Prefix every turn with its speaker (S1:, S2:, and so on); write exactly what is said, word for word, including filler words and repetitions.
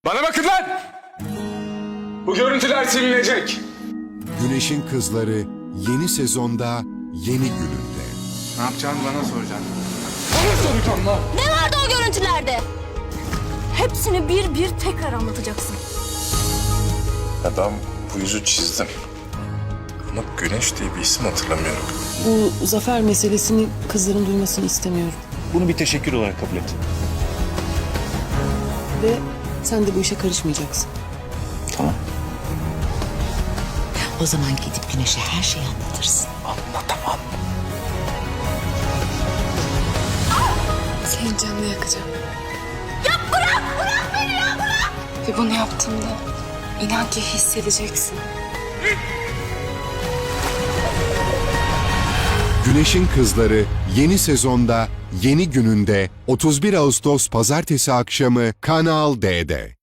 S1: Bana bakın lan! Bu görüntüler silinecek.
S2: Güneşin Kızları yeni sezonda yeni gününde.
S1: Ne yapacağını bana soracaksın. Bana soracağım lan!
S3: Ne vardı o görüntülerde? Hepsini bir bir tekrar anlatacaksın.
S4: Ya ben bu yüzü çizdim. Ama Güneş diye bir isim hatırlamıyorum.
S5: Bu zafer meselesini kızların duymasını istemiyorum.
S6: Bunu bir teşekkür olarak kabul et.
S5: Ve sen de bu işe karışmayacaksın.
S6: Tamam.
S7: O zaman gidip Güneş'e her şeyi anlatırsın.
S6: Anlatamam.
S8: Senin canını yakacağım. Ya bırak! Bırak beni ya bırak! Ve bunu yaptığımda inan ki hissedeceksin.
S2: Güneşin Kızları yeni sezonda yeni gününde otuz bir Ağustos Pazartesi akşamı Kanal D'de.